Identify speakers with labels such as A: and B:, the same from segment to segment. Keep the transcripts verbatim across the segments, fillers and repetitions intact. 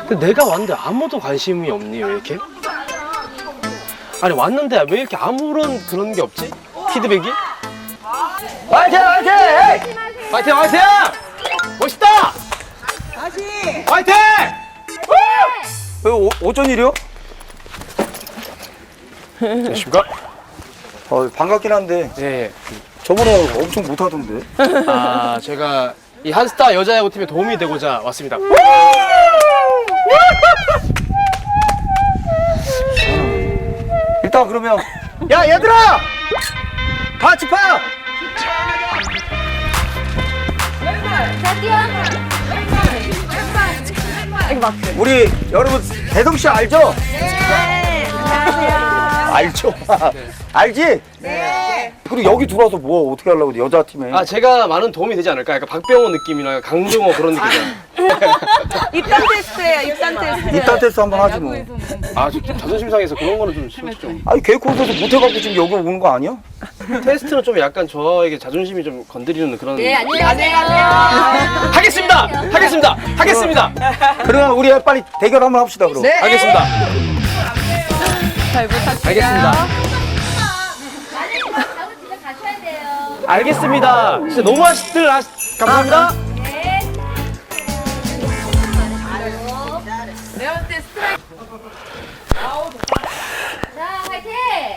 A: 근데 내가 왔는데 아무도 관심이 없니 왜 이렇게? 아니 왔는데 왜 이렇게 아무런 그런 게 없지? 피드백이? 화이팅 화이팅! 화이팅 화이팅! 멋있다!
B: 다시.
A: 화이팅!
C: 왜 오, 어쩐 일이요?
A: 안녕하십니까?
C: 어, 반갑긴 한데
A: 예, 예.
C: 저번에 엄청 못하던데.
A: 아 제가 이 한스타 여자야구팀에 도움이 되고자 왔습니다.
C: 일단 그러면 야 얘들아! 같이 파! 우리 여러분 대성씨 알죠?
B: 네. 안녕하세요.
C: 알죠? 알지?
B: 네.
C: 그리고 여기 들어와서 뭐 어떻게 하려고 그래, 여자 팀에.
A: 아 제가 많은 도움이 되지 않을까? 약간 박병호 느낌이나 강정호 그런 느낌이야.
B: 입단 테스트예요. 입단 테스트.
C: 입단 테스트 한번 하지 뭐.
A: 아, 좀 자존심 상해서 그런 거는 좀 솔직히 좀
C: 아니 계획 콘서트 못해갖고 지금 여기 오는 거 아니야?
A: 테스트는 좀 약간 저에게 자존심이 좀 건드리는 그런.
B: 네, 안녕하세요.
A: 하겠습니다. 하겠습니다. 하겠습니다.
C: 그러면 우리 빨리 대결 한번 합시다 그럼.
B: 네.
A: 하겠습니다.
B: 잘 부탁드려요.
A: 알겠습니다.
D: 진짜 가셔야 돼요.
A: 알겠습니다. 진짜 너무 하시들 하 감사합니다.
D: 네.
B: 내가 볼 때 스트라이크.
D: 자, 화이팅!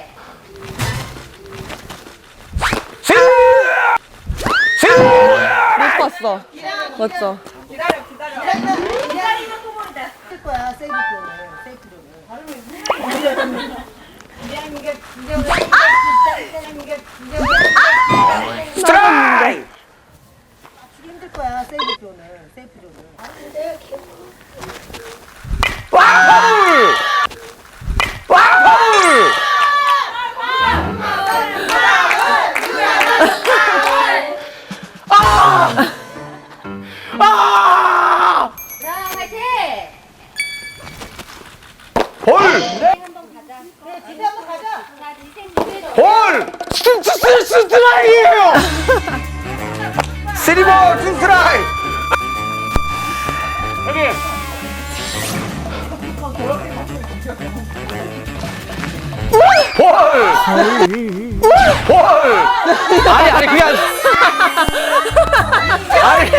B: 못 봤어. 맞죠?
C: 스트라이크!
E: 힘들 거야 세이프 존은 세이프 존은
C: 와우! 와우! 아!
D: 자, 화이팅!
C: 볼!
D: 한번 가자.
E: 그래 집에 한번 가자
D: 자, 디생 무대로.
C: 볼! 스, 스, 스, 스트라이크예요! 쓰리볼 스트라이크!
A: 여기.
C: 볼! 볼!
A: 아니 아니 그게 아니. 아니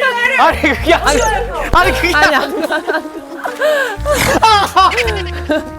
A: 아니 그게 아니. 아니 그게 아니.